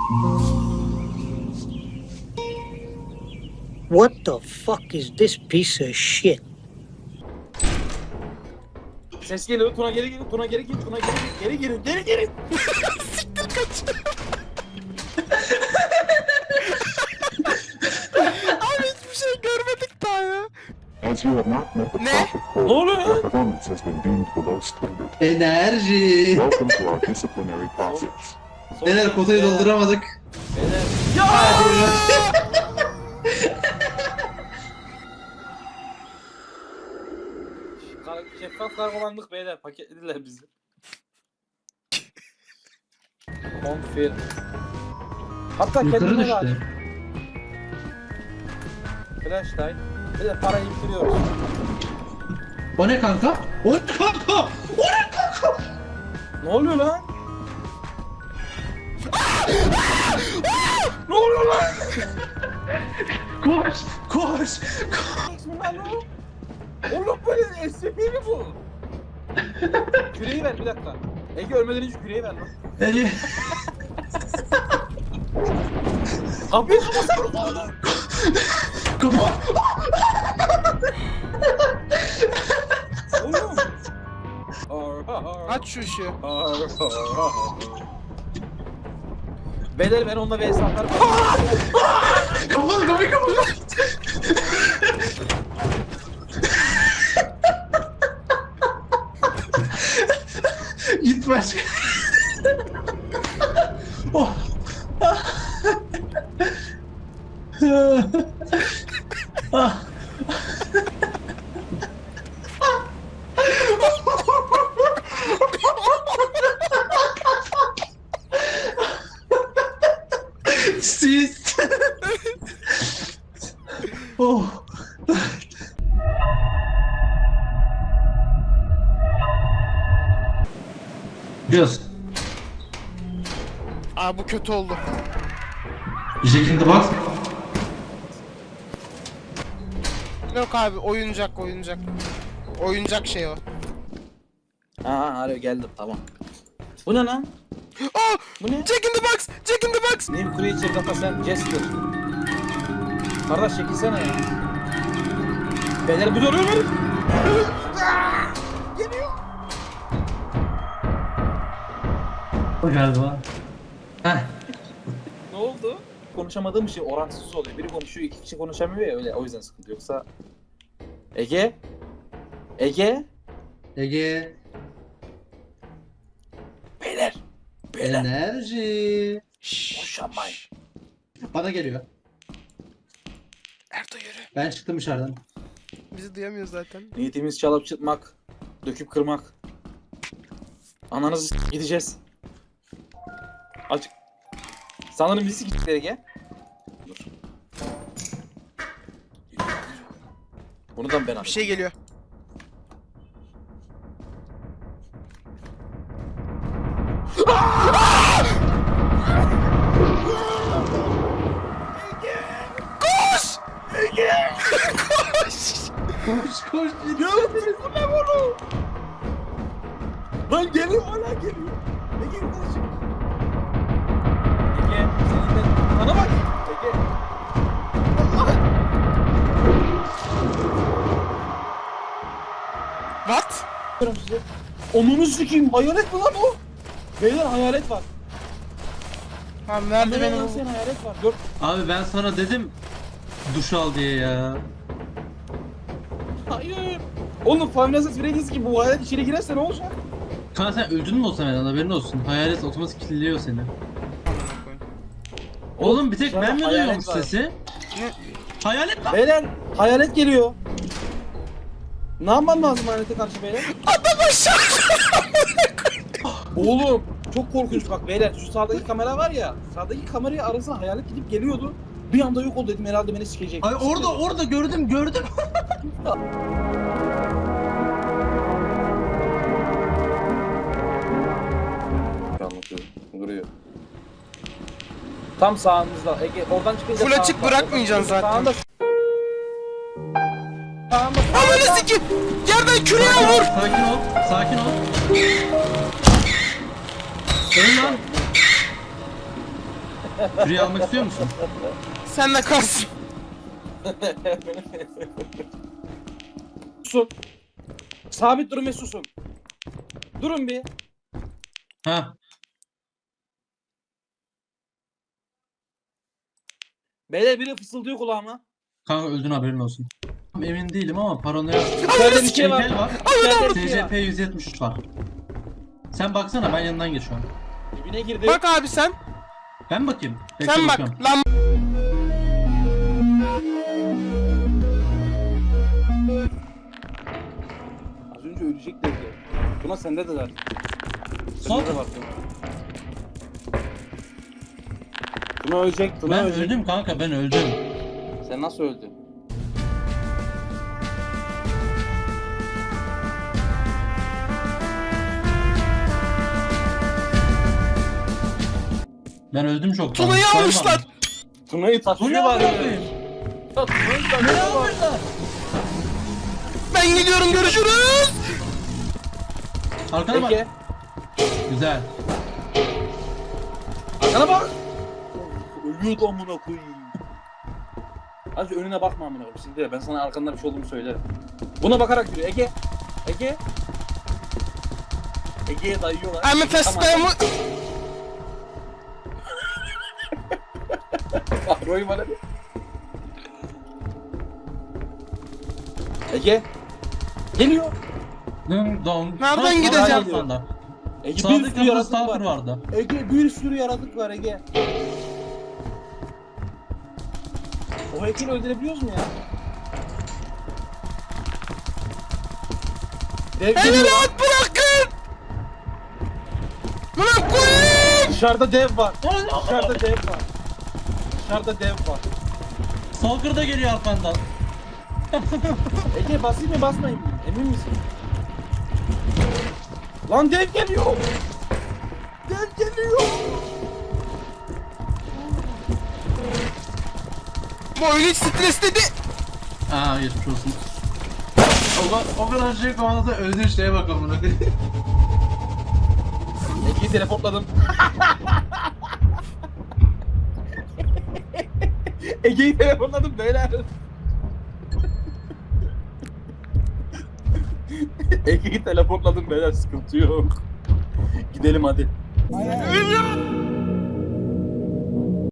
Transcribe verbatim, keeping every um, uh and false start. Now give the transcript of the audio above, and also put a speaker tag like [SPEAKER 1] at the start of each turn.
[SPEAKER 1] What the fuck is this piece of shit?
[SPEAKER 2] Ses geliyor. Tuna geri gelin. Tuna geri gelin. Tuna geri gelin. Geri gelin. Geri gelin.
[SPEAKER 3] Siktir kaç. Abi hiçbir şey görmedik daha ya.
[SPEAKER 4] As you have not met the
[SPEAKER 3] Ne?
[SPEAKER 4] profit
[SPEAKER 2] Ne
[SPEAKER 4] quota,
[SPEAKER 2] oluyor
[SPEAKER 4] your
[SPEAKER 2] lan?
[SPEAKER 4] performance has been deemed below standard.
[SPEAKER 5] Enerji.
[SPEAKER 4] Welcome to our disciplinary process.
[SPEAKER 5] Neler kotayı dolduramadık.
[SPEAKER 2] Beyler. Ya! Kar- Şeffaf kargolandık beyler. Paketlediler bizi. Confirm. Hatta
[SPEAKER 5] Yukarı
[SPEAKER 2] kendime
[SPEAKER 5] düştü.
[SPEAKER 2] lazım. Flashlight. Bir de parayı indiriyoruz.
[SPEAKER 5] O ne kanka? O ne kanka? O ne kanka?
[SPEAKER 2] Ne oluyor lan? Ne oluyor lan?
[SPEAKER 5] Koş! Koş!
[SPEAKER 2] Bismillah lan. Oğlum böyle S C P mi bu? Küreği ver bir dakika. Ege ölmeden önce küreği ver lan.
[SPEAKER 5] Eli.
[SPEAKER 2] Kapıyı kapatsana oğlum.
[SPEAKER 5] Kapa.
[SPEAKER 2] Oğlum.
[SPEAKER 3] Aç şu ışığı.
[SPEAKER 2] Beyler ben onunla vs atarım.
[SPEAKER 5] Kapalı kapıyı kapalı. Git başka. Oh. Ah. Siz. Oh. Biliyorsun.
[SPEAKER 3] Aa bu kötü oldu.
[SPEAKER 5] Jack in the Box.
[SPEAKER 3] Yok abi oyuncak oyuncak. Oyuncak şey o.
[SPEAKER 2] Aa hadi geldim tamam. Bu ne lan?
[SPEAKER 3] Aa!
[SPEAKER 2] Bu ne?
[SPEAKER 3] Jack in the box! Jack in the box!
[SPEAKER 2] New Creature Data sen Jester. Kardeş çekilsene ya. Beyler bir duruyor mu? Geliyor.
[SPEAKER 5] O galiba. Heh.
[SPEAKER 2] Ne oldu? Konuşamadığım şey orantısız oluyor. Biri konuşuyor, iki kişi konuşamıyor ya öyle. O yüzden sıkıntı yoksa. Ege? Ege?
[SPEAKER 5] Ege.
[SPEAKER 2] Beyler. Beyler.
[SPEAKER 5] Enerji.
[SPEAKER 3] Şşş.
[SPEAKER 2] Konuşamayın.
[SPEAKER 5] Bana geliyor.
[SPEAKER 3] Erdo yürü.
[SPEAKER 5] Ben çıktım dışarıdan.
[SPEAKER 3] Bizi duyamıyor zaten.
[SPEAKER 2] Niyetimiz çalıp çıtmak, döküp kırmak. Ananızı s- gideceğiz. Açık. Sanırım bizi gittiler Ege. Dur. Bunu da ben
[SPEAKER 3] Bir
[SPEAKER 2] alayım.
[SPEAKER 3] şey geliyor. Koş! Koş!
[SPEAKER 5] Koş koş
[SPEAKER 2] Gidiyor beni bu ne bunu? Lan geliyor hala geliyor. Ege yukarı çık. Ege senin de bana bak. Ege.
[SPEAKER 3] What?
[SPEAKER 2] Bakıyorum size. Onunu sikeyim hayalet mi lan o? Beyler hayalet var.
[SPEAKER 3] Tamam nerede
[SPEAKER 2] Beyler
[SPEAKER 3] benim
[SPEAKER 2] lan sen hayalet var. Gör.
[SPEAKER 5] Abi ben sana dedim duş al diye ya.
[SPEAKER 2] Hayır. Oğlum Five Nights at Freddy's gibi bu hayalet içeri girerse ne olacak?
[SPEAKER 5] Kanka sen öldün mü olsa hemen haberin olsun. Hayalet otomatik kilitliyor seni. Oğlum bir tek
[SPEAKER 2] dışarıda
[SPEAKER 5] ben mi
[SPEAKER 2] hayalet
[SPEAKER 5] duyuyorum
[SPEAKER 2] var.
[SPEAKER 5] sesi?
[SPEAKER 3] Ne?
[SPEAKER 5] Hayalet lan.
[SPEAKER 2] Beyler hayalet geliyor. Ne yapmam lazım hayalete karşı beyler?
[SPEAKER 3] Adam aşağı!
[SPEAKER 2] Oğlum çok korkunç bak beyler şu sağdaki kamera var ya sağdaki kamerayı arasına hayalet gidip geliyordu. Bir anda yok oldu dedim herhalde beni sikecek.
[SPEAKER 5] Ay orada orada gördüm gördüm.
[SPEAKER 2] Anlatıyorum. Duruyor. Tam sağımızda. Ege oradan çıkınca
[SPEAKER 3] Full açık
[SPEAKER 2] sağında.
[SPEAKER 3] bırakmayacaksın zaten.
[SPEAKER 2] Sağında. Sağında.
[SPEAKER 3] Ananı sikeyim! Yerden küreye vur!
[SPEAKER 5] Sakin ol. Sakin ol. Dön lan. Free almak istiyor musun?
[SPEAKER 3] Sen de kalsın.
[SPEAKER 2] Susun. Sabit durun ve susun. Durun bir.
[SPEAKER 5] Ha.
[SPEAKER 2] Beyler biri fısıldıyor kulağıma.
[SPEAKER 5] Kanka öldün haberin olsun. Emin değilim ama paranoya.
[SPEAKER 2] İçeride bir şey var.
[SPEAKER 5] Heykel var.
[SPEAKER 2] İçeride bir şey var.
[SPEAKER 5] S C P yüz yetmiş üç var. Sen baksana ben yanından geçiyorum.
[SPEAKER 2] Dibine girdi.
[SPEAKER 3] Bak abi sen.
[SPEAKER 5] Ben bakayım. Bekle
[SPEAKER 3] Sen bak.
[SPEAKER 5] bakıyorum.
[SPEAKER 3] Lan
[SPEAKER 2] Az önce ölecek dedi. Tuna sende de var.
[SPEAKER 5] Sağ
[SPEAKER 2] Sende de var Tuna. Tuna ölecek. Tuna
[SPEAKER 5] Ben
[SPEAKER 2] ölecek.
[SPEAKER 5] öldüm kanka ben öldüm.
[SPEAKER 2] Sen nasıl öldün?
[SPEAKER 5] Ben öldüm çok.
[SPEAKER 3] Tuna'yı almışlar.
[SPEAKER 2] Tuna'yı
[SPEAKER 5] Bu ne
[SPEAKER 2] taşıyor var ya.
[SPEAKER 5] yapayım?
[SPEAKER 2] Ya Tuna'yı
[SPEAKER 5] Ne
[SPEAKER 2] taşıyor var.
[SPEAKER 5] yapıyorlar?
[SPEAKER 3] Ben gidiyorum, görüşürüz.
[SPEAKER 5] Arkana bak.
[SPEAKER 2] Peki.
[SPEAKER 5] Güzel.
[SPEAKER 2] Arkana bak. Ölüyordu amına koyayım. Hadi önüne bakma amına koyayım. Şimdi ben sana arkanda bir şey olduğunu söylerim. Buna bakarak yürü. Ege. Ege. Ege'ye dayıyorlar.
[SPEAKER 3] I'm a fast
[SPEAKER 2] Tamam.
[SPEAKER 3] time.
[SPEAKER 2] Bak Roy bana bir. Ege. Geliyor.
[SPEAKER 5] Dın dong.
[SPEAKER 3] Nereden
[SPEAKER 5] Ha,
[SPEAKER 3] gideceğim?
[SPEAKER 5] sağ arkanda.
[SPEAKER 2] Ege bir
[SPEAKER 5] Sağdaki
[SPEAKER 2] sürü
[SPEAKER 5] kapıda
[SPEAKER 2] yaratık
[SPEAKER 5] stalker
[SPEAKER 2] var.
[SPEAKER 5] vardı.
[SPEAKER 2] Ege bir sürü yaratık var Ege. O heykeli öldürebiliyoruz mu ya? Dev
[SPEAKER 3] Beni
[SPEAKER 2] geliyor.
[SPEAKER 3] rahat bırakın. Bırak koyayım.
[SPEAKER 2] Dışarıda dev var. Dışarıda dev var. Dışarıda dev var.
[SPEAKER 5] Stalker da geliyor arkandan.
[SPEAKER 2] Ege basayım mı basmayayım mı? Emin misin? Lan dev geliyor. Dev geliyor.
[SPEAKER 3] Bu oyun hiç stresledi.
[SPEAKER 5] Aa geçmiş olsun. O, kadar- o kadar şey kovaladı öldüğü şeye bakalım bunu.
[SPEAKER 2] Ege'yi teleportladım. Ege'yi teleportladım beyler. Ege'yi teleportladım beyler, sıkıntı yok. Gidelim hadi.